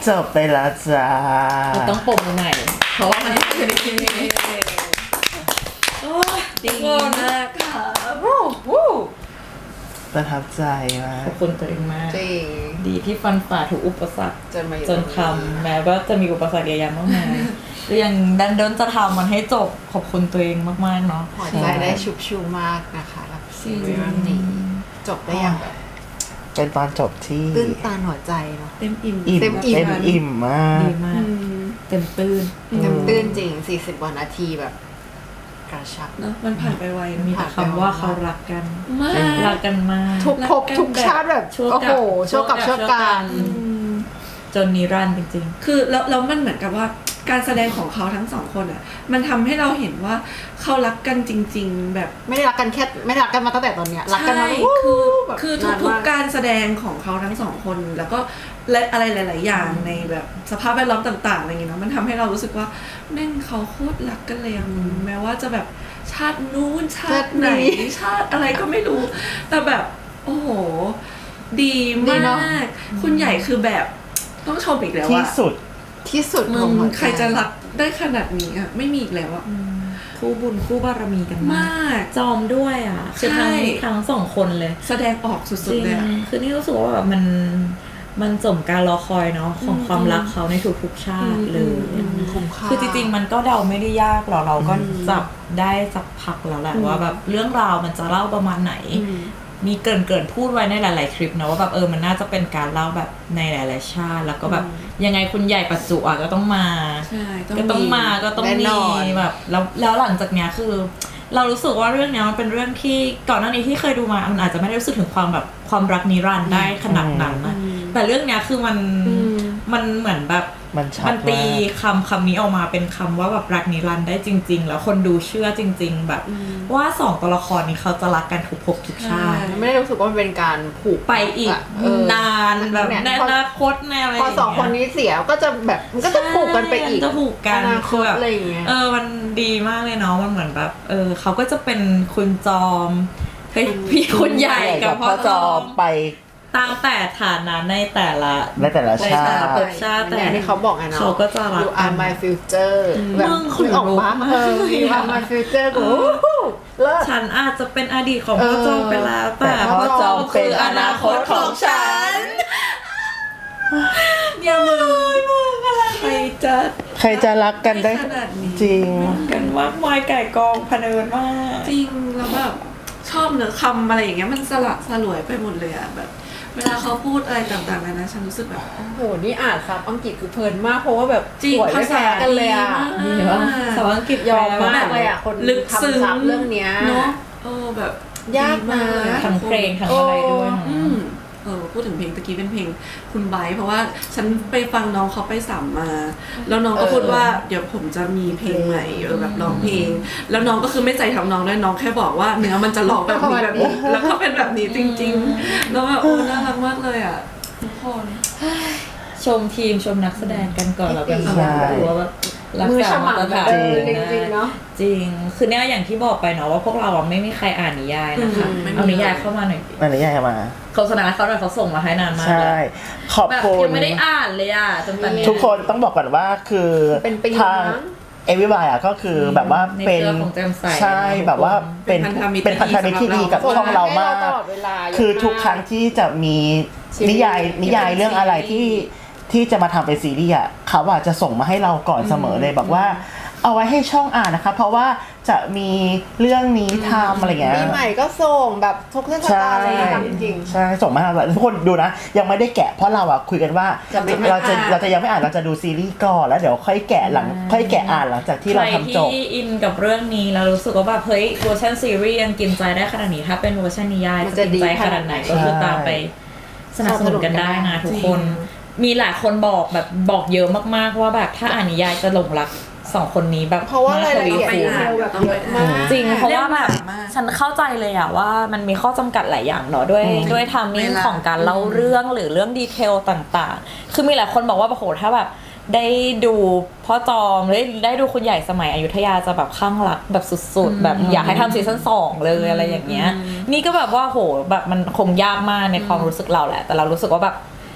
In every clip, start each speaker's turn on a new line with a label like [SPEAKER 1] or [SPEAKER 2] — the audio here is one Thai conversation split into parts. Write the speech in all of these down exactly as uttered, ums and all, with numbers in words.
[SPEAKER 1] จบไปแล้วจ้า
[SPEAKER 2] ต้องปมมือใหม่เพราะว่ามันเป็นทีโอ้ดีมากค่ะวู้วู้
[SPEAKER 1] ประทับใจมาก
[SPEAKER 2] ขอบคุณตัวเองมาก
[SPEAKER 3] จริง
[SPEAKER 2] ดีที่ฟันฝ่าทุกอุปสรรค
[SPEAKER 3] จนมา
[SPEAKER 2] จนทำแม้ว่าจะมีอุปสรรคเยอะแยะมากมายก็ยังดันเดินจะทำมันให้จบขอบคุณตัวเองมากๆเนาะ
[SPEAKER 3] หัวใจได้ชุบชูมากนะคะกับซีรีส์เรื่องนี้จบได้อย่างแบบ
[SPEAKER 1] เป็นตอนจบที่
[SPEAKER 3] ตื้นตันหัวใจเนาะ
[SPEAKER 2] เต็มอิ่ม
[SPEAKER 1] เต็มอิ่มเต็มอิ่มมาก
[SPEAKER 2] ดีมากเต็มตื้น
[SPEAKER 3] เต็มตื้นจริงสี่สิบกว่านาทีแบบกระชับ
[SPEAKER 2] เนาะมันผ่านไปไวมีแต่คำว่าเขารักกันมากรักกันมาก
[SPEAKER 3] ทุกภพทุกชาติแบบโอ้โหโชคกับโชคกัน
[SPEAKER 2] จนนิรันดร์จริง
[SPEAKER 4] ๆคือแล้วแล้วมันเหมือนกับว่าการแสดงของเขาทั้งสองคนอ่ะมันทำให้เราเห็นว่าเขารักกันจริงๆแบบ
[SPEAKER 3] ไม่ได้รักกันแค่ไม่ได้รักกันมาตั้งแต่ตอนเนี้ยรักกันมา
[SPEAKER 4] คือคือทุกๆการแสดงของเขาทั้งสองคนแล้วก็และอะไรหลายๆอย่างในแบบสภาพแวดล้อมต่างๆอะไรอย่างเงี้ยเนาะมันทำให้เรารู้สึกว่าแม่งเขาโคตรรักกันเลยแม้ว่าจะแบบชาตินู้นชาติไหนชาติอะไรก็ไม่รู้แต่แบบโอ้โหดีมากคุณใหญ่คือแบบต้องชมอีกแล้ว
[SPEAKER 1] ที่สุด
[SPEAKER 3] ที่สุด
[SPEAKER 4] ของใครจะรักได้ขนาดนี้อ่ะไม่มีอีกแล้วอ่ะ
[SPEAKER 2] คู่บุญคู่บารมีกัน
[SPEAKER 4] มาก
[SPEAKER 2] จอมด้วยอ่ะคือทั้งทั้งสองคนเลย
[SPEAKER 4] แสดงออกสุดๆเลย
[SPEAKER 2] คือนี่รู้สึกว่าแบบมันมันสมการรอคอยเนาะของความรักเขาในทุกๆชาติเลยคือจริงๆมันก็เดาไม่ได้ยากหรอกเราก็จับได้สักพักแล้วแหละว่าแบบเรื่องราวมันจะเล่าประมาณไหนมีเกินเกินพูดไว้ในหลายๆคลิปนะว่าแบบเออมันน่าจะเป็นการเล่าแบบในหลายๆชาติแล้วก็แบบยังไงคุณใหญ่ปัจจุอ่ะก็ต้องมาก็ต้องมาก็ต้องมีแบบแล้วแล้วหลังจากเนี้ยคือเรารู้สึกว่าเรื่องเนี้ยมันเป็นเรื่องที่ก่อนหน้านี้ที่เคยดูมามันอาจจะไม่ได้รู้สึกถึงความแบบความรักนิรันดร์ได้ขนาดนั้นนะแต่เรื่องเนี้ยคือมันมันเหมือนแบบมันตีคำคำนี้ออกมาเป็นคำว่าแบบรักนิรันดร์ได้จริงๆแล้วคนดูเชื่อจริงๆแบบว่าสองตัวละครนี้เขาจะรักกันทุกภพทุกชาติ
[SPEAKER 3] ไม่ได้รู้สึกว่ามันเป็นการผูก
[SPEAKER 2] ไปอีกนานแบบในอนาคตแนวอะไร
[SPEAKER 3] พอสองคนนี้เสียก็จะแบบมันก็จะผูกกันไปอีก
[SPEAKER 2] จะผูกกันคือแบบเออมันดีมากเลยเนาะมันเหมือนแบบเออเขาก็จะเป็นคุณจอมเฮ้ยพี่คุณใหญ่กับพ่อจอม
[SPEAKER 1] ไป
[SPEAKER 2] ตามแต่ฐานะในแต่ละ
[SPEAKER 1] ในแต่ละชาติ
[SPEAKER 3] ชาติแต่ที่เขาบอกไงเนาะ
[SPEAKER 2] เขาก็จะรัก
[SPEAKER 3] You are my future แบบคุณออกมาเออ You are my future กู
[SPEAKER 2] ฉันอาจจะเป็นอดีตของพ่อจอมไปแล้วแต่พ่อจอมคืออนาคตของฉัน
[SPEAKER 4] อย่ามือใครจะ
[SPEAKER 1] ใครจะรักกันได้จริง
[SPEAKER 2] กันมากมายไก่กองพะเนินมาก
[SPEAKER 4] จริงแล้วแบบชอบเนื้อคำอะไรอย่างเงี้ยมันสละสลวยไปหมดเลยอะแบบเวลาเขาพูดอะไรต่างๆนะฉันรู้สึกแบบ
[SPEAKER 3] โอ้โหนี่อ่านซับอังกฤษคือเพลินมากเพราะว่าแบบ
[SPEAKER 4] จริงภาษา
[SPEAKER 3] กันเลยอ่ะ
[SPEAKER 2] ดีว่าภาษาอังกฤษ
[SPEAKER 3] ยอมมากเลยอ่ะคน
[SPEAKER 4] ลึกซึ้ง
[SPEAKER 3] เรื่องเนี้ย
[SPEAKER 4] เนาะเออแบบ
[SPEAKER 3] ยากมาก
[SPEAKER 2] ทั้งเพลงทั้งอะไรด้วย
[SPEAKER 4] เออพูดถึงเพลงตะกี้เป็นเพลงคุณไบร์ทเพราะว่าฉันไปฟังน้องเขาไปสัมมาแล้วน้องก็พูดว่าเดี๋ยวผมจะมีเพลงใหม่เออแบบร้องเพลงแล้วน้องก็คือไม่ใจทำน้องด้วยน้องแค่บอกว่าเนื้อมันจะร้องแบบนี้แบบนี้แล้วก็เป็นแบบนี้จริงๆแล้วแบบโอ้น่ารักมากเลยอ่ะทุกคน
[SPEAKER 2] ชมทีมชมนักแสดงกันก่อนแล้วกันว่าแบบรักษามาตรฐาน
[SPEAKER 3] จริงๆเนาะ
[SPEAKER 2] จริงคือเนี่ยอย่างที่บอกไปเนาะว่าพวกเราไม่มีใครอ่านนิยายนะคะเอานิยายเข้ามาหน่อย
[SPEAKER 1] เอานิยายมา
[SPEAKER 2] โฆษณาเขาหน่อยเขาส่งมาให้นานมาก
[SPEAKER 1] ใช่ขอบคุณ
[SPEAKER 2] ยังไม่ได้อ่านเลยอ่ะจนตอนนี้
[SPEAKER 1] ทุกคนต้องบอกก่อนว่าคือทางเอวิบายอ่ะก็คือแบบว่าเป็นใช่แบบว่าเป็นเป็นพันธมิตรที่ดีกับช่องเรามากคือทุกครั้งที่จะมีนิยายนิยายเรื่องอะไรที่ที่จะมาทำเป็นซีรีส์อ่ะเขาอ่ะจะส่งมาให้เราก่อนเสมอเลยบอกว่าเอาไว้ให้ช่องอ่านนะคะเพราะว่าจะมีเรื่องนี้ทำอะไรเงี้ย
[SPEAKER 3] ปีใหม่ก็ส่งแบบทุกเทศกาลเลยทำจริง
[SPEAKER 1] ใช่ส่งมาให้เราทุกคนดูนะยังไม่ได้แกะเพราะเราอ่ะคุยกันว่าเราจะเราจะยังไม่อ่านเราจะดูซีรีส์ก่อนแล้วเดี๋ยวค่อยแกะหลังค่อยแกะอ่านหลังจากที่เราทำจบ
[SPEAKER 2] ใครที่อินกับเรื่องนี้แล้วรู้สึกว่าแบบเฮ้ยเวอร์ชันซีรีส์ยังกินใจได้ขนาดนี้ถ้าเป็นเวอร์ชันนิยายจะกินใจขนาดไหนก็คือตามไปสนับสนุนกันได้นะทุกคนมีหลายคนบอกแบบบอกเยอะมากๆว่าแบบถ้าอ่านนิยายจะหลงรักสองคนนี้แบบ
[SPEAKER 3] เพราะว่ารายละเอียดแบบเยอะมาก
[SPEAKER 2] จริงเพราะว่าแบบฉันเข้าใจเลยอะว่ามันมีข้อจำกัดหลายอย่างเนาะด้วยด้วยไทมิ่งของการเล่าเรื่องหรือเรื่องดีเทลต่างๆคือมีหลายคนบอกว่าโอ้โหถ้าแบบได้ดูพ่อจอมได้ได้ดูคุณใหญ่สมัยอยุธยาจะแบบข้างรักแบบสุดๆแบบอยากให้ทำซีซั่นสองเลยอะไรอย่างเงี้ยนี่ก็แบบว่าโหแบบมันคงยากมากในความรู้สึกเราแหละแต่เรารู้สึกว่าแบบ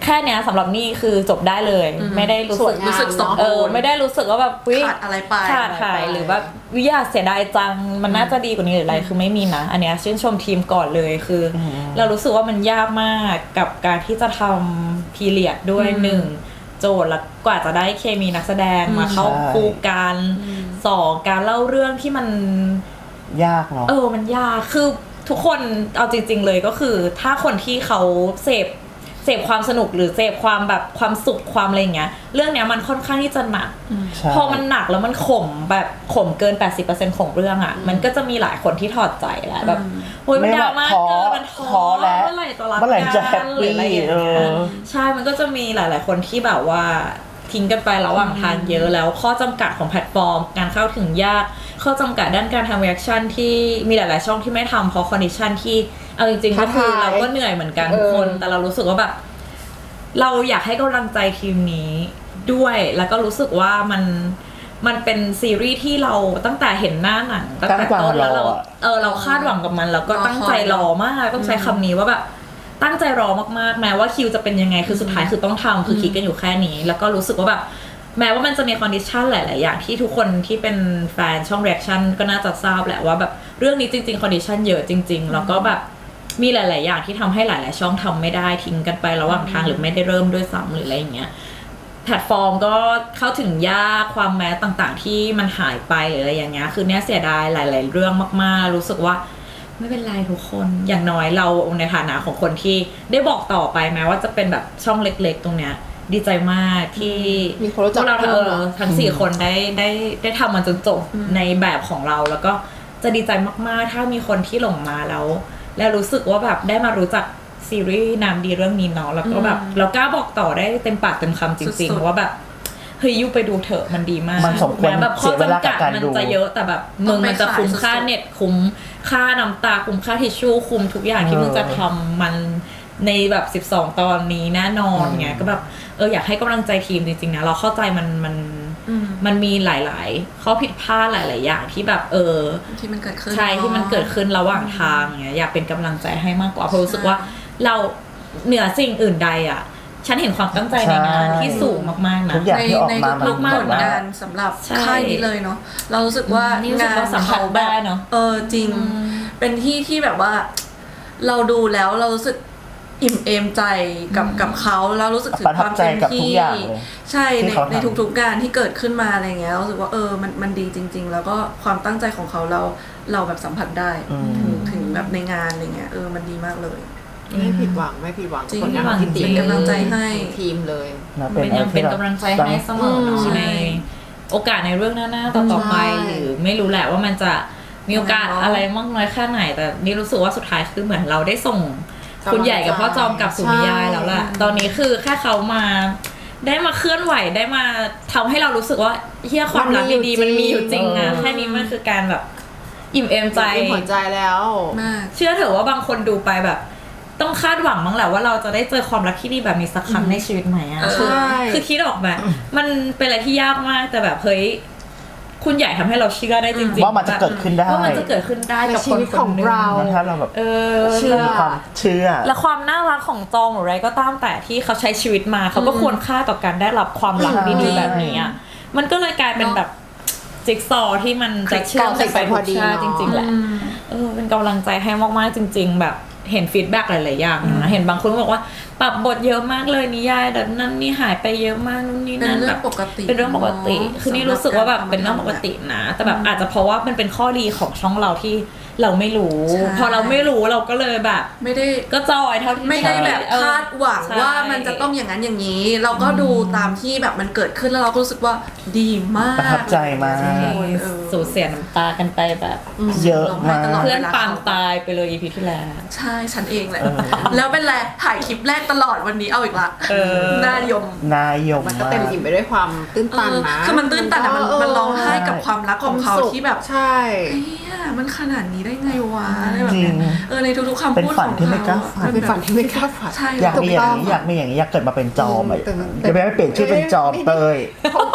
[SPEAKER 2] แค่เนี้ยสำหรับนี่คือจบได้เลยไม่ได้รู้สึก
[SPEAKER 4] รู้สึกสม
[SPEAKER 2] เอ
[SPEAKER 4] บู
[SPEAKER 2] อ
[SPEAKER 4] รณ์
[SPEAKER 2] ไม่ได้รู้สึกว่าแบบอุ๊ย
[SPEAKER 4] ขาดอะไรไป
[SPEAKER 2] ขาดหายหรือแบบวิยาเสียดายจังมันน่าจะดีกว่านี้หรืออะไรคือไม่มีนะอันเนี้ยชื่นชมทีมก่อนเลยคืออเรารู้สึกว่ามันยากมากกับการที่จะทำพีเรียดด้วยหนึ่งโจทย์แล้วกว่าจะได้เคมีนักแสดงมาเข้าคู่กันสองการเล่าเรื่องที่มัน
[SPEAKER 1] ยากเนาะ
[SPEAKER 2] เออมันยากคือทุกคนเอาจริงๆเลยก็คือถ้าคนที่เขาเสพเสพความสนุกหรือเสพความแบบความสุขความอะไรอย่างเงี้ยเรื่องเนี้ยมันค่อนข้างที่จะหนักพอมันหนักแล้วมันขมแบบขมเกิน แปดสิบเปอร์เซ็นต์ ของเรื่องอ่ะมันก็จะมีหลายคนที่ถอดใจแหละแบบโอ้ยมันดราม่าเกินมันท้อแล้วเมื่อไหร่จะรักกันหรืออะไรอย่างเงี้ยใช่มันก็จะมีหลายๆคนที่แบบว่าทิ้งกันไประหว่างทางเยอะแล้วข้อจำกัดของแพลตฟอร์มการเข้าถึงยากข้อจำกัดด้านการทำรีแอคชั่นที่มีหลายๆช่องที่ไม่ทำเพราะคอนดิชันที่เอาจริงๆก็คือเราก็เหนื่อยเหมือนกันทุกคนแต่เรารู้สึกว่าแบบเราอยากให้กำลังใจทีมนี้ด้วยแล้วก็รู้สึกว่ามันมันเป็นซีรีส์ที่เราตั้งแต่เห็นหน้าหนังตั้งแต่ต้นแล้วเราเออเราคาดหวังกับมันแล้วก็ตั้งใจรอมากต้องใช้คำนี้ว่าแบบตั้งใจรอมากๆแม้ว่าคิวจะเป็นยังไงคือสุดท้ายคือต้องทำคือคิดกันอยู่แค่นี้แล้วก็รู้สึกว่าแบบแม้ว่ามันจะมีคอนดิชันหลายๆอย่างที่ทุกคนที่เป็นแฟนช่องรีแอคชั่นก็น่าจะทราบแหละว่าแบบเรื่องนี้จริงๆคอนดิชันเยอะจริงๆแล้วก็แบบมีหลายๆอย่างที่ทำให้หลายๆช่องทำไม่ได้ทิ้งกันไประหว่างทางหรือไม่ได้เริ่มด้วยซ้ำหรืออะไรอย่างเงี้ยแพลตฟอร์มก็เข้าถึงยากความแม้ต่างๆที่มันหายไปหรืออะไรอย่างเงี้ยคือเนี้ยเสียดายหลายๆเรื่องมากๆรู้สึกว่าไม่เป็นไรทุกคนอย่างน้อยเราในฐานะของคนที่ได้บอกต่อไปแม้ว่าจะเป็นแบบช่องเล็กๆตรงเนี้ยดีใจมากที่
[SPEAKER 3] มีคนรู้จัก
[SPEAKER 2] เราเออทั้งสี่คนได้ได้ได้ทำมันจนจบในแบบของเราแล้วก็จะดีใจมากๆถ้ามีคนที่หลงมาแล้วแล้วรู้สึกว่าแบบได้มารู้จักซีรีส์นามดีเรื่องนี้เนาะแล้วก็แบบเรากล้าบอกต่อได้เต็มปากเต็มคำจริงๆว่าแบบเฮ้ยยูไปดูเถอะมันดีมาก
[SPEAKER 1] มันสมควร
[SPEAKER 2] แบบข้อจำกัดมันจะเยอะแต่แบบมึงมันจะคุ้มค่าเน็ตคุ้มค่าน้ำตาคุ้มค่าทิชชู่คุ้มทุกอย่างที่มึงจะทำมันในแบบสิบสองตอนนี้แน่นอนไงก็แบบเอออยากให้กำลังใจทีมจริงๆนะเราเข้าใจมันมันมันมีหลายๆข้อผิดพลาดหลายๆอย่างที่แบบเออ
[SPEAKER 4] ที่มันเกิดขึ้น
[SPEAKER 2] ใช่ที่มันเกิดขึ้นระหว่างทางเงี้ยอยากเป็นกำลังใจให้มากกว่าเพราะรู้สึกว่าเราเหนือสิ่งอื่นใดอ่ะฉันเห็นความตั้งใจในงานที่สูงมากๆนะ
[SPEAKER 1] ใน
[SPEAKER 4] ในทุกๆผลงานสำหรับค่ายนี้เลยเนาะเรารู้สึกว่างาน
[SPEAKER 2] สัมผัสได้เนาะ
[SPEAKER 4] เออจริงเป็นที่ที่แบบว่าเราดูแล้วเรารู้สึกอิ่มเอมใจกับกับเขาแล้วรู้สึกถึงความเต็มที่ใช่ในในทุกๆงานที่เกิดขึ้นมาอะไรเงี้ยรู้สึกว่าเออมันมันดีจริงๆแล้วก็ความตั้งใจของเขาเราเราแบบสัมผัสได้ถึงถึงแบบในงานอะไรเงี้ยเออมันดีมากเลย
[SPEAKER 3] ไม่ผิดหวังไม่ผิดหวัง
[SPEAKER 2] ผลงานที่ดี
[SPEAKER 4] เป็นกำลังใจให้
[SPEAKER 3] ทีมเลย
[SPEAKER 2] เป็นยังเป็นกำลังใจให้เสมอเนาะในโอกาสในเรื่องหน้าๆต่อๆไปหรือไม่รู้แหละว่ามันจะมีโอกาสอะไรมากน้อยแค่ไหนแต่นี่รู้สึกว่าสุดท้ายคือเหมือนเราได้ส่งคุณใหญ่กับพ่อจอมกับสุนิยายแล้วแหละตอนนี้คือแค่เขามาได้มาเคลื่อนไหวได้มาทำให้เรารู้สึกว่าเฮียความรักดีๆมันมีอยู่จริงอะแค่นี้มันคือการแบบอิ่มเอมใจ
[SPEAKER 3] อิ่มหัวใจแล้ว
[SPEAKER 2] เชื่อเถอะว่าบางคนดูไปแบบต้องคาดหวังมั้งแหละว่าเราจะได้เจอความรักที่ดีแบบนี้สักครั้งในชีวิตใหม่อะคือคือคิดออกแบบมันเป็นอะไรที่ยากมากแต่แบบเฮ้ยคุณใหญ่ทำให้เราเชื่อได้จริงๆ
[SPEAKER 1] ว่ามันจะเกิดขึ้นได้
[SPEAKER 2] ว่ามันจะเกิดขึ้นได้กับคนคนนึง
[SPEAKER 1] ถ้าเราแบบ
[SPEAKER 2] เออ
[SPEAKER 1] เชื่อความเชื่อ
[SPEAKER 2] และความน่ารักของจองหรืออะไรก็ตามแต่ที่เขาใช้ชีวิตมาเขาก็ควรค่าต่อการได้รับความรักดีๆแบบนี้อ่ะมันก็เลยกลายเป็นแบบจิ๊กซอว์ที่มันจะเชื่อมไปทุกชาติจริงๆแหละเออเป็นกำลังใจให้มากๆจริงๆแบบเห็นฟีดแบ็กหลายๆอย่างนะเห็นบางคนบอกว่าปรับบทเยอะมากเลยนิยายแบบนั้นนี่หายไปเยอะมากนู่นนี่นั่นแบบเป็นเรื่องปกติคือนี่รู้สึกว่าแบบเป็นเรื่องปกตินะแต่แบบอาจจะเพราะว่ามันเป็นข้อดีของช่องเราที่เราไม่รู้พอเราไม่รู้เราก็เลยแบบ
[SPEAKER 4] ไม่ได้
[SPEAKER 2] ก็จอยเท่าที่
[SPEAKER 4] ไม่ได้แบบคาดหวังว่ามันจะต้องอย่างนั้นอย่างนี้เราก็ดูตามที่แบบมันเกิดขึ้นแล้วเราก็รู้สึกว่าดีมาก
[SPEAKER 1] ประทับใจมาก
[SPEAKER 2] สูญเสียน้ำตากันไปแบบ
[SPEAKER 1] เยอะมาก
[SPEAKER 2] เพื่อนปางตายไปเลย อี พี ที่แล้ว
[SPEAKER 4] ใช่ฉันเองแหละแล้วเป็นไรถ่ายคลิปแรกตลอดวันนี้เอาอีกละนายม
[SPEAKER 1] นายม
[SPEAKER 3] มันก็เต็มอิ่มไปด้วยความตื้นตันนะ
[SPEAKER 4] คือมันตื้นตันแต่มันมันร้องไห้กับความรักของเขาที่แบบ
[SPEAKER 3] ใช่
[SPEAKER 4] เฮ้ยมันขนาดนี้ได้ไงวะอะไรแบบนี้เออในทุกๆคำพูดของเขา
[SPEAKER 1] ที่ไม่กล้าฝัน
[SPEAKER 3] เป็นฝันที่ไม่กล้าฝัน
[SPEAKER 1] อยากมีอย่างนี้อยากมีอย่างนี้อยากเกิดมาเป็นจอมอ่ะจะไม่เปลี่ยนชื่อเป็นจอมเตย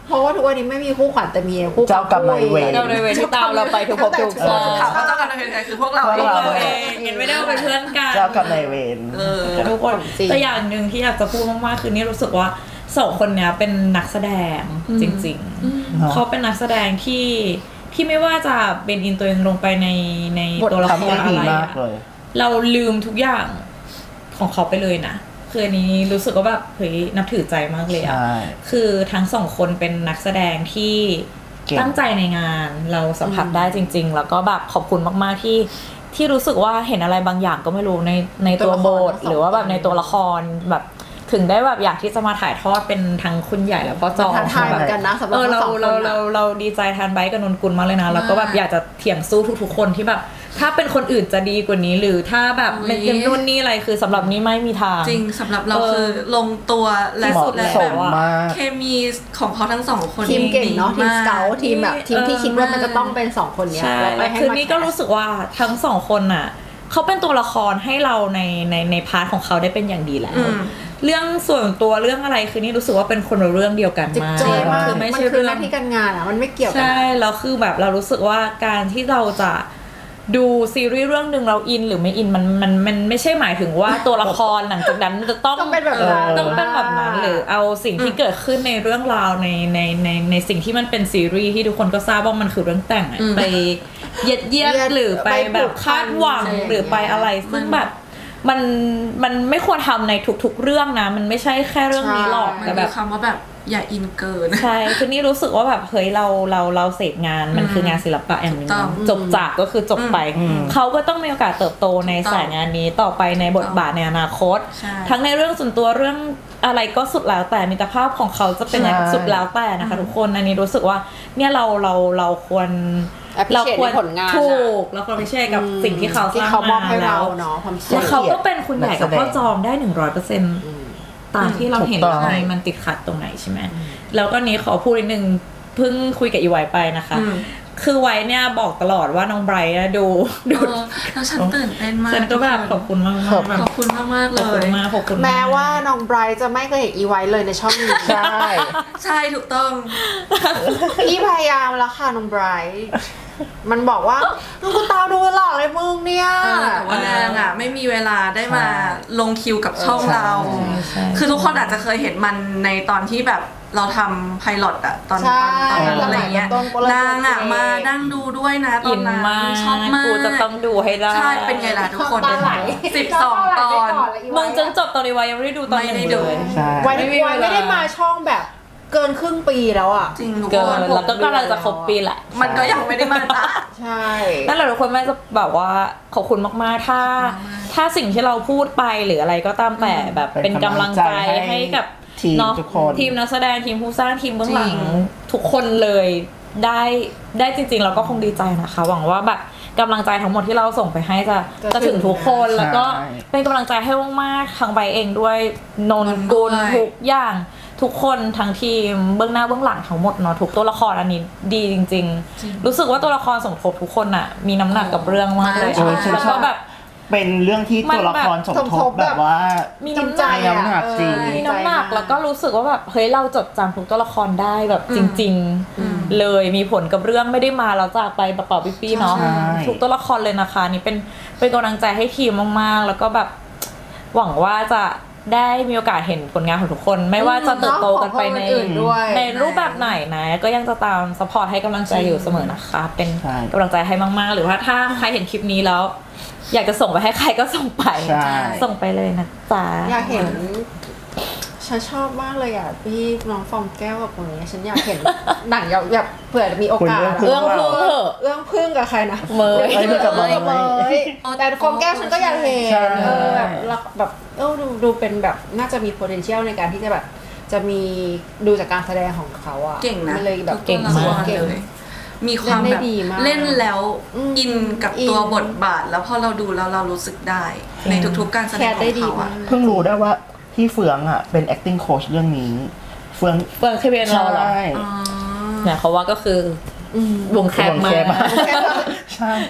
[SPEAKER 3] เพราะว่าทุกวันนี้ไม่มีคู่ขวัญแต่มีคู่
[SPEAKER 1] เจ้ากรรมนายเวร
[SPEAKER 2] เจ้าในเวรที่ตามเราไปทุกภพทุกชาติ
[SPEAKER 4] ถามว่าเจ้ากรรมนายเวรใครคือพวกเรา
[SPEAKER 1] พวก
[SPEAKER 4] เอง
[SPEAKER 1] เรา
[SPEAKER 2] ตัวเองเห็นไม่ได้ว่าเป็นเพื่อนกัน
[SPEAKER 1] เจ้ากับนายเวร
[SPEAKER 4] เออ
[SPEAKER 2] ทุกคนแต่อย่างหนึ่งที่อยากจะพูดมากๆคือนี่รู้สึกว่าสองคนเนี้ยเป็นนักแสดงจริงๆเขาเป็นนักแสดงที่ที่ไม่ว่าจะเป็นอินตัวเองลงไปในในตัวละครอะไรอะเราลืมทุกอย่างของเขาไปเลยนะคืออันนี้รู้สึกว่าแบบเฮ้ยนับถือใจมากเลยอะคือทั้งสองคนเป็นนักแสดงที่ตั้งใจในงานเราสัมผัสได้จริงๆแล้วก็แบบขอบคุณมากๆที่ที่รู้สึกว่าเห็นอะไรบางอย่างก็ไม่รู้ในในตัวบทหรือว่าแบบในตัวละครแบบถึงได้แบบอยากที่จะมาถ่ายทอดเป็นทั้งคุณใหญ่แล้วก็จอ
[SPEAKER 3] ท้าทายเหมือนกันนะสำหรับ
[SPEAKER 2] เออเรา
[SPEAKER 3] สองคน
[SPEAKER 2] เราเราเราดีใจแทนไบค์กับนนกุลมากเลยนะแล้วก็แบบอยากจะเถียงสู้ทุกๆคนที่แบบถ้าเป็นคนอื่นจะดีกว่านี้หรือถ้าแบบเป็นเกมนู่นนี่อะไรคือสำหรับนี้ไม่มีทาง
[SPEAKER 4] จริงสำหรับเราคือลงตัวและสุดและแบบเคมีของเขาทั้งสองคน
[SPEAKER 3] ทีมเก่งเนาะทีมสเกาทีมแบบทีมที่คิดว่ามันจะต้องเป็นสองคนเนี้ย
[SPEAKER 2] ใช่
[SPEAKER 3] แล้วไป
[SPEAKER 2] แล้ว
[SPEAKER 3] ให้
[SPEAKER 2] คือ
[SPEAKER 3] มา
[SPEAKER 2] นี่ก็รู้สึกว่าทั้งสองคนน่ะเขาเป็นตัวละครให้เราในในในพาร์ทของเขาได้เป็นอย่างดีแล้วเรื่องส่วนตัวเรื่องอะไรคือนี่รู้สึกว่าเป็นคนละเรื่องเดียวกัน
[SPEAKER 3] จิต
[SPEAKER 2] มาก
[SPEAKER 3] ใจมาก
[SPEAKER 2] คือไม่
[SPEAKER 3] มัน
[SPEAKER 2] ใช่
[SPEAKER 3] คือ
[SPEAKER 2] เรื่อง
[SPEAKER 3] หน้าที่การงานอ่ะมันไม่เกี่ยวกัน
[SPEAKER 2] ใช่แล้วคือแบบเรารู้สึกว่าการที่เราจะดูซีรีส์เรื่องหนึ่งเราอินหรือไม่อินมันมันมันไม่ใช่หมายถึงว่าตัวละครหลังจากนั้นจะต้อง
[SPEAKER 3] ต้องเป็นแบบนั้น
[SPEAKER 2] ต้องเป็นแบบนั้นหรือเอาสิ่งที่เกิดขึ้นในเรื่องราวในในในในสิ่งที่มันเป็นซีรีส์ที่ทุกคนก็ทราบว่ามันคือเรื่องแต่งอะไปเย็ดเยียดหรือไปแบบคาดหวังหรือไปอะไรซึ่งแบบมันมันไม่ควรทำในทุกๆเรื่องนะมันไม่ใช่แค่เรื่องนี้หรอก
[SPEAKER 4] มัน
[SPEAKER 2] แต่แบ
[SPEAKER 4] มี
[SPEAKER 2] บ
[SPEAKER 4] คำว่าแบบอย่าอินเกิน
[SPEAKER 2] ใช่คือนี่รู้สึกว่าแบบเฮ้ยเราเราเราเสพงานมันคืองานศิลปะอย่างหนึ่ง
[SPEAKER 4] ถูกต้อง
[SPEAKER 2] จบจากก็คือจบไปเขาก็ต้องมีโอกาสเติบโตในสายงานนี้ต่อไปในบทบาทในอนาคต
[SPEAKER 4] ใช่
[SPEAKER 2] ทั้งในเรื่องส่วนตัวเรื่องอะไรก็สุดแล้วแต่มิตรภาพของเขาจะเป็นอะไรสุดแล้วแต่นะคะทุกคนอันนี้รู้สึกว่าเนี่ยเราเราเราควร
[SPEAKER 3] เราควรผลงาน
[SPEAKER 2] ถูกเราควรพิเศษกับสิ่งที่เขาส
[SPEAKER 3] ที่
[SPEAKER 2] ร้าง
[SPEAKER 3] เขามอบ
[SPEAKER 2] มา
[SPEAKER 3] ให้
[SPEAKER 2] แล้
[SPEAKER 3] เรา
[SPEAKER 2] ว
[SPEAKER 3] เนาะความสุ
[SPEAKER 2] แล้
[SPEAKER 3] ข
[SPEAKER 2] วเขาก็เป็นคุณใหญ่กับพ่อจอมได้หนึ่งร้อยเปอร์เซ็นต์ตามที่เราเห็น
[SPEAKER 1] ถูกต้อง
[SPEAKER 2] ใช่มันติดขัดตรงไหนใช่ไหมแล้วก็นี้ขอพูดนิดนึงเพิ่งคุยกับอีไวไปนะคะ คือไว้เนี่ยบอกตลอดว่าน้องไบรท์ดูดู
[SPEAKER 4] เออแล้วฉันตื่นเต้นมาก
[SPEAKER 2] ฉันก็แบบขอบคุณมากๆแบบ
[SPEAKER 4] ขอบคุณมากมากๆเล
[SPEAKER 2] ขอบคุณ
[SPEAKER 4] ย
[SPEAKER 2] มากขอบคุณก
[SPEAKER 3] แม้ว่าน้องไบรท์จะไม่เคยเห็นอีไว้เลยในช่องนี้
[SPEAKER 1] ใช่
[SPEAKER 4] ใช่ถูกต้อง
[SPEAKER 3] พี่พยายามแล้วค่ะน้องไบรท์มันบอกว่ากูตามดูหลอกเลยมึงเนี่ย
[SPEAKER 4] เออแต่ว่านางอ่ะไม่มีเวลาได้มาลงคิวกับช่องเรา
[SPEAKER 2] ใช่
[SPEAKER 4] คือทุกคนอาจจะเคยเห็นมันในตอนที่แบบเราทำไพลอตอะตอน
[SPEAKER 3] ใช่
[SPEAKER 4] ตอนตอนนั้นอะไรเงี้ย
[SPEAKER 3] ต้นๆ
[SPEAKER 4] นางอะมานั่งดูด้วยนะตอ
[SPEAKER 2] อิ
[SPEAKER 4] น
[SPEAKER 2] น
[SPEAKER 4] นั้น
[SPEAKER 2] มาก
[SPEAKER 4] ชอบมาก
[SPEAKER 2] กูจะต้องดูให้ได้
[SPEAKER 4] ใช่เป็นไงล่ะทุกคน
[SPEAKER 3] ตาไหล
[SPEAKER 4] สิบสองตอน
[SPEAKER 2] มึงจนจบตอนนี้ไว้ยังไม่ได้ดูตอนหนึ่ง
[SPEAKER 4] ไม่ได้ดู
[SPEAKER 2] เลย
[SPEAKER 1] ใช่
[SPEAKER 3] ไว้
[SPEAKER 2] ไม่มีเวลา
[SPEAKER 3] ไว้ไม่ได้มาช่องแบบเกินครึ่งปีแล้วอ่ะ
[SPEAKER 4] จริงทุก
[SPEAKER 2] เกิ
[SPEAKER 4] คน น
[SPEAKER 2] แล้วก็กำลังจะครบปีแหละ
[SPEAKER 4] มันก็ยังไม่ได้มาจ้ะ
[SPEAKER 3] ใช่
[SPEAKER 2] นั่นแหละทุกคนแม่จะแบบว่าขอบคุณมากๆ ถ้า ถ้าสิ่งที่เราพูดไปหรืออะไรก็ตามแต่แบบเป็นกำลังใจให้กับ
[SPEAKER 1] ทีม
[SPEAKER 2] เนาะ
[SPEAKER 1] ทุกคน
[SPEAKER 2] ทีมนักแสดงทีมผู้สร้างทีมเบื้องหลังทุกคนเลยได้ได้จริงๆเราก็คงดีใจนะคะ หวังว่าแบบกำลังใจทั้งหมดที่เราส่งไปให้จะจะถึงทุกคนแล้วก็เป็นกำลังใจให้มากๆทางใบเองด้วยนนกุลทุกอย่างทุกคนทั้งทีมเบื้องหน้าเบื้องหลังทั้งหมดเนาะทุกตัวละครอันนี้ดีจริง ๆ รู้สึกว่าตัวละครสมทบทุกคนอะมีน้ำหนักกับเรื่องมากเลย
[SPEAKER 1] โอ้ยฉัน
[SPEAKER 2] แล้ว
[SPEAKER 1] ช
[SPEAKER 2] ก็
[SPEAKER 1] อบ
[SPEAKER 2] แบบ
[SPEAKER 1] เป็นเรื่องที่ตัวละครสมทบแบบว่า
[SPEAKER 2] มี
[SPEAKER 3] จริง
[SPEAKER 2] น้ำห
[SPEAKER 3] ใจ
[SPEAKER 2] นัก
[SPEAKER 1] มีน้ำหนักจริง
[SPEAKER 2] มีน้ำหนักแล้วก็รู้สึกว่าแบบเฮ้ยเราจดจำทุกตัวละครได้แบบจริง ๆ เลยมีผลกับเรื่องไม่ได้มาแล้วจากไปเปล่าๆปี้ๆเนาะ
[SPEAKER 1] ใช่
[SPEAKER 2] ทุกตัวละครเลยนะคะนี่เป็นเป็นกำลังใจให้ทีมมากๆ แล้วก็แบบหวังว่าจะได้มีโอกาสเห็นผลงานของทุกคน ไม่ว่าจะเติบโตกันไปใน
[SPEAKER 3] ของคนอื่นด้วย
[SPEAKER 2] ในรูปแบบไหนนะก็ยังจะตามซัพพอร์ตให้กำลังใจอยู่เสมอนะคะ เป็น
[SPEAKER 1] ใช่
[SPEAKER 2] กำลังใจให้มากๆ หรือว่าถ้าใครเห็นคลิปนี้แล้ว อยากจะส่งไปให้ใครก็ส่งไป
[SPEAKER 1] ใช่
[SPEAKER 2] ส่งไปเลยนะจ๊ะ
[SPEAKER 3] อยากเห็นฉันชอบมากเลยอ่ะพี่น้องฟองแก้วกับคนนี้ฉันอยากเห็น หนังอยากแบบเผื่อมีโอกาส
[SPEAKER 1] คุณ
[SPEAKER 2] เรื่องพึ่งเถอะ
[SPEAKER 3] เรื่องพึ่งกับใครนะ
[SPEAKER 2] เมย์
[SPEAKER 1] เอ้ยมึงกับเมย์
[SPEAKER 3] เมย์แต่ฟองแก้วฉันก็อยากเห็น
[SPEAKER 1] ใช่
[SPEAKER 3] เออแบบแล้วแบบเออดูดูเป็นแบบน่าจะมี potential ในการที่จะแบบจะมีดูจากการแสดงของเขาอ่ะ
[SPEAKER 4] เก่งนะ
[SPEAKER 3] มันเลยแบบ
[SPEAKER 2] เก่งมาก
[SPEAKER 3] เก่ง
[SPEAKER 4] เลยมีความ
[SPEAKER 3] เล่นได้
[SPEAKER 4] แบบ
[SPEAKER 3] ดีมาก
[SPEAKER 4] เล่นแล้ว
[SPEAKER 3] อืม
[SPEAKER 4] อินกับ
[SPEAKER 3] อิน
[SPEAKER 4] ตัวบทบาท แล้วพอเราดูแล้วเรารู้สึกได้ ในทุกๆการแสดง
[SPEAKER 3] แคสได้
[SPEAKER 4] ของ
[SPEAKER 3] ดี
[SPEAKER 4] เขา
[SPEAKER 3] มา
[SPEAKER 4] อะ
[SPEAKER 3] ก
[SPEAKER 1] เพิ่งรู้ได้ว่าพี่เฟืองอ่ะเป็น acting coach เรื่องนี้ เฟือง
[SPEAKER 2] เฟิร์นเคเบียนเราเหรอ
[SPEAKER 1] ใช่
[SPEAKER 4] อ๋อ
[SPEAKER 2] เนี่ยเขาว่าก็คืออวงแคบมาว
[SPEAKER 1] งแคบมาก
[SPEAKER 2] ก
[SPEAKER 1] ใช่
[SPEAKER 2] แล้ว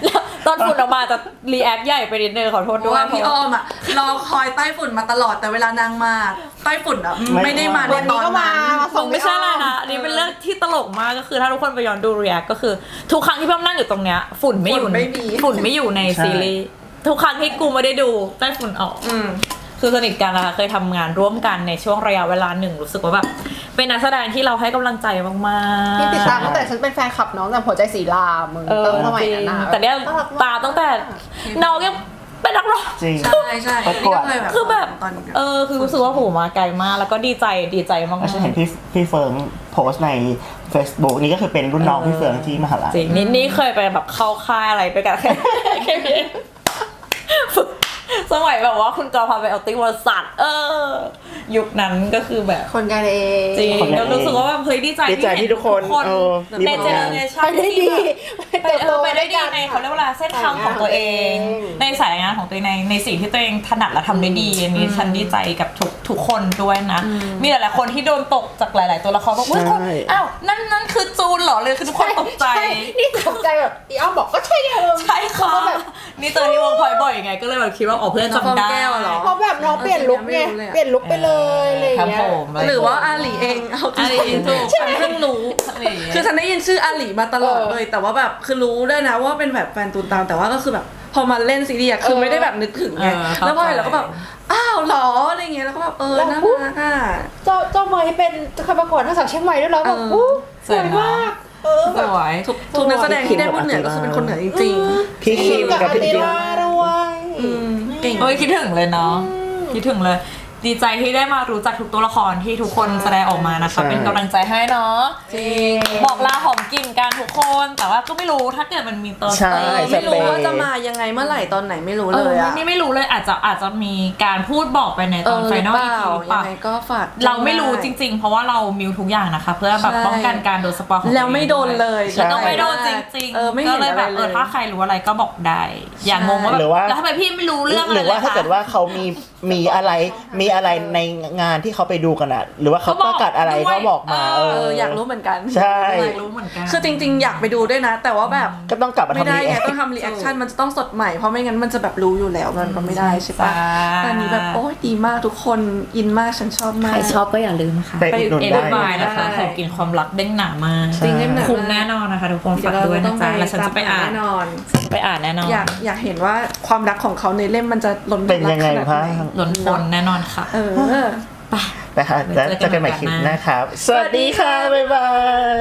[SPEAKER 2] ตอนฝุ่นออกมาจะรีแอคใหญ่ไปนิดนึงขอโทษ
[SPEAKER 4] เพ
[SPEAKER 2] ด้
[SPEAKER 4] ราะ
[SPEAKER 2] วย
[SPEAKER 4] ว่าพี่อ้อมอะรอคอยใต้ฝุ่นมาตลอดแต่เวลานางมาใต้ฝุ่นอะไม่ได้มาในตอนนั้น
[SPEAKER 2] คงไม่ใช่อะไรนะอันนี้เป็นเรื่องที่ตลกมากก็คือถ้าทุกคนไปย้อนดูรีแอคก็คือทุกครั้งที่พี่อ้อมนั่งอยู่ตรงเนี้ยฝุ่นไม่อยู่ในฝุ่นไม่อยู่ในซีรีส์ทุกครั้งที่กูไม่ได้ดูใต้ฝุ่นออกคือสนิทกันนะคะเคยทำงานร่วมกันในช่วงระยะเวลาหนึ่งรู้สึกว่าแบบเป็นนักแสดงที่เราให้กำลังใจมากๆ
[SPEAKER 3] ที่ติดตามตั้งแต่ฉันเป็นแฟนคลับน้องแต่หัวใจสีลามึง
[SPEAKER 2] เออ
[SPEAKER 3] ตั้งสมัยนั้นนะ
[SPEAKER 2] แต่เนี้ยตาตั้งแต่น้องยังเป็นนักร้อง
[SPEAKER 1] จริง
[SPEAKER 4] ใช่ใช่
[SPEAKER 1] ประกวด
[SPEAKER 4] นี่ก็เย
[SPEAKER 2] คือแบบ
[SPEAKER 4] ตอนนี้
[SPEAKER 2] เออคือรู้สึกว่าโหมาไกลมากแล้วก็ดีใจดีใจมาก
[SPEAKER 1] ฉันเห็นพี่พี่เฟิร์นโพสต์ใน Facebook นี่ก็คือเป็นรุ่นน้องพี่เฟิร์นที่มหาลัย
[SPEAKER 2] จริงนี่นี่เคยไปแบบเข้าค่ายอะไรไปกันแค่แค่นี้ฝึกสมัยแบบว่าคุณจอพาไปเอาติ้งบริษัทเออยุคนั้นก็คือแบบ
[SPEAKER 3] คนกันเอง
[SPEAKER 2] จริงก็รู้สึกว่าแบบเฮ้ยดีใจ
[SPEAKER 1] ดีใจที่ทุกคนเออมี
[SPEAKER 2] ใน
[SPEAKER 1] ผล
[SPEAKER 2] เจ
[SPEAKER 1] งา
[SPEAKER 2] เน
[SPEAKER 1] น
[SPEAKER 2] อเรชั่
[SPEAKER 3] ไป
[SPEAKER 2] น
[SPEAKER 3] ได้
[SPEAKER 2] ที่
[SPEAKER 3] ดี
[SPEAKER 2] แบบไปเออไปได้ดีในเขาเรียกว่าอะไรเส้นทางของตัวเอง ในสายงานของตัวเองในในสิ่งที่ตัวเองถนัดและทำได้ดีอันนี้ฉันดีใจกับทุกทุกคนด้วยนะ มีหลายๆคนที่โดนตกจากหลาย ๆ ตัวละครบอกว่าคนอ้าวนั่นนั่นคือจูนเหรอเลยคือทุกคนตกใจ
[SPEAKER 3] ช่นี่ตกใจแบบอีอ้อมบอกก็ใช่เดิม
[SPEAKER 2] ใช่ค่ะนี่เจอที่วงพลอยบ่อยไงก็เลยแบบคิดว่าอ๋อเพื่อนจำได้
[SPEAKER 4] แก้วเหรอ
[SPEAKER 3] เพราะแบบน้องเปลี่ยนลุคไงเปลี่ยนลุคไปเลยอะไรอย่างเงี้ย
[SPEAKER 2] ครับผม
[SPEAKER 4] หรือว่าอาหลีเองเอา
[SPEAKER 2] อะไร
[SPEAKER 4] จริง
[SPEAKER 2] ถูก
[SPEAKER 4] ๆฉันเพิ่งรู้คือฉันได้ยินชื่ออาหลีมาตลอดเลยแต่ว่าแบบคือรู้ด้วยนะว่าเป็นแบบแฟนตูนตามแต่ว่าก็คือแบบพอมาเล่นซีรีส์อะคือไม่ได้แบบนึกถึงไงแล้วพอเห็นแล้วก็แบบอ้าวเหรออะไรเงี้ยแล้วก็แบบเออน่ารักอ่ะ
[SPEAKER 3] เจ้าเจ้าเมย์เป็นเคยประกวดทั้งสาวเชียงใหม่ด้วยแล้วแบบ
[SPEAKER 4] เออ
[SPEAKER 3] อู้สวยมากเออ
[SPEAKER 2] ส
[SPEAKER 3] แบบ
[SPEAKER 2] วย
[SPEAKER 4] ทุกทุกนักแสดงที่ได้พูดเหนือก็คือเป็นคนเหนือจริง
[SPEAKER 1] พี่คิม
[SPEAKER 3] กับ
[SPEAKER 1] กับ
[SPEAKER 3] อา
[SPEAKER 1] พี่
[SPEAKER 3] ติ
[SPEAKER 1] จิ๊บ
[SPEAKER 3] ลาด้วย
[SPEAKER 4] ๆอืมเก่ง
[SPEAKER 2] เอ้ยคิดถึงเลยเนาะคิดถึงเลย ดีใจที่ได้มารู้จักทุกตัวละครที่ทุกคนแสดงออกมานะคะเป็นกำลังใจให้เนาะ
[SPEAKER 4] จริง
[SPEAKER 2] บอกลาหอมกลิ่นกันทุกคน แต่ว่าก็ไม่รู้ถ้าเกิดมันมีตอน
[SPEAKER 1] ใช่
[SPEAKER 2] เออ
[SPEAKER 4] ไม่รู้ว่าจะมายังไงเมื่อไหร่ตอนไหนไม่รู้
[SPEAKER 2] เอ
[SPEAKER 4] เล
[SPEAKER 2] อย
[SPEAKER 4] อะ
[SPEAKER 2] นี่ไม่รู้เลยอาจจะอาจจะมีการพูดบอกไปในตอน
[SPEAKER 4] เออ
[SPEAKER 2] ไฟนอล
[SPEAKER 4] หรื
[SPEAKER 2] อี
[SPEAKER 4] อเปล่า
[SPEAKER 2] พีหรือเป
[SPEAKER 4] ยั
[SPEAKER 2] ล่า
[SPEAKER 4] งไงก็ฝาก
[SPEAKER 2] เราไม่รู้จริง ๆ เพราะว่าเรามิวทุกอย่างนะคะ เพื่อแบบ
[SPEAKER 4] ใช่
[SPEAKER 2] ป้องกันการโดนสปอยของ
[SPEAKER 4] แล้วไม่โดนเลย
[SPEAKER 1] ใช่
[SPEAKER 2] แล้วก็ไม่โดนจริง
[SPEAKER 4] เออไม่
[SPEAKER 2] ๆก็
[SPEAKER 4] เห็น
[SPEAKER 2] เลย
[SPEAKER 4] อะไร
[SPEAKER 2] แบบ
[SPEAKER 4] เล
[SPEAKER 2] เออย ถ้าใครรู้อะไรก็บอกได้ อย่างงงว่าแบ
[SPEAKER 1] หรื
[SPEAKER 2] บ
[SPEAKER 1] อว่า
[SPEAKER 2] แล้วทำไมพี่ไม่รู้เรื่องอะ
[SPEAKER 1] ห
[SPEAKER 2] ไร
[SPEAKER 1] รือ
[SPEAKER 2] เล
[SPEAKER 1] ว่าย ถ้า
[SPEAKER 2] คะ
[SPEAKER 1] เกิดว่าเขามีมีอะไรมีอะไรในงานที่เขาไปดูกันอะหรือว่าเขาประกาศอะไรก็บอกมา
[SPEAKER 2] เอ
[SPEAKER 4] เอออยากรู้เหมือนกัน
[SPEAKER 1] ใช่
[SPEAKER 2] อยากรู้เหมือนกัน
[SPEAKER 4] คือจริงๆ อยากไปดูด้วยนะ แต่ว่าแบบ
[SPEAKER 1] ก็ต้องกลับมา
[SPEAKER 4] ไม่
[SPEAKER 1] ทำ
[SPEAKER 4] ได้
[SPEAKER 1] รี
[SPEAKER 4] ไง
[SPEAKER 1] แอค
[SPEAKER 4] ต้องทำรีแอคชั่นมันจะต้องสดใหม่เพราะไม่งั้นมันจะแบบรู้อยู่แล้วมันก็ไม่ได้ใช่ปะ
[SPEAKER 2] ใช่
[SPEAKER 4] แต่อันนี้แบบโอ้ยดีมากทุกคนอินมากฉันชอบมาก
[SPEAKER 2] ใครชอบก็อย่าลืมค่ะ
[SPEAKER 1] ไปอุดหนุน
[SPEAKER 2] เอ็น
[SPEAKER 1] ได้
[SPEAKER 2] บายนะคะ
[SPEAKER 4] ได้
[SPEAKER 2] ของกินความรักเด้งหนามาก
[SPEAKER 1] จริงเด้งหนา
[SPEAKER 2] คุ้มแน่นอนนะคะทุกคน
[SPEAKER 4] เดี๋ย
[SPEAKER 2] ฝาว ก
[SPEAKER 4] เรา
[SPEAKER 2] ด้วย
[SPEAKER 4] ต้
[SPEAKER 2] นะ
[SPEAKER 4] อง
[SPEAKER 2] จ๊ะ
[SPEAKER 4] ไป
[SPEAKER 2] แล้วฉันจะไปอ่าน
[SPEAKER 4] แน่นอน
[SPEAKER 2] ไปอ่านแน่นอน
[SPEAKER 4] อยากอยากเห็นว่าความรักของเขาในเล่มมันจะล้น
[SPEAKER 1] เป็นยังไง
[SPEAKER 4] รักข
[SPEAKER 1] บ้า
[SPEAKER 4] นาด
[SPEAKER 1] ง
[SPEAKER 4] หน
[SPEAKER 2] ล้นพ้นแน่นอนค่ะ
[SPEAKER 4] เออ
[SPEAKER 2] ไป
[SPEAKER 1] นะคะแล้วเจอกันใหม่คลิปหนะครับ สวัสดีค่ะ บ๊ายบาย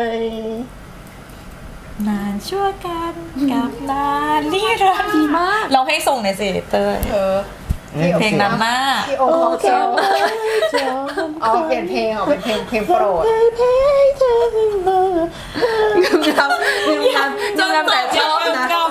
[SPEAKER 2] นานชั่วกันกับนานนิรันดร์
[SPEAKER 4] ดีมาก
[SPEAKER 2] เราให้ส่งในอยสิเตย
[SPEAKER 3] เออ
[SPEAKER 2] เพลงนั้นมาก
[SPEAKER 3] พี่โอเขาเจ้าเอาเปลี่ยนเพลงเอาเป็นเพลงเพลงโปรด
[SPEAKER 4] งามงามงามงามแต่ชอบนะ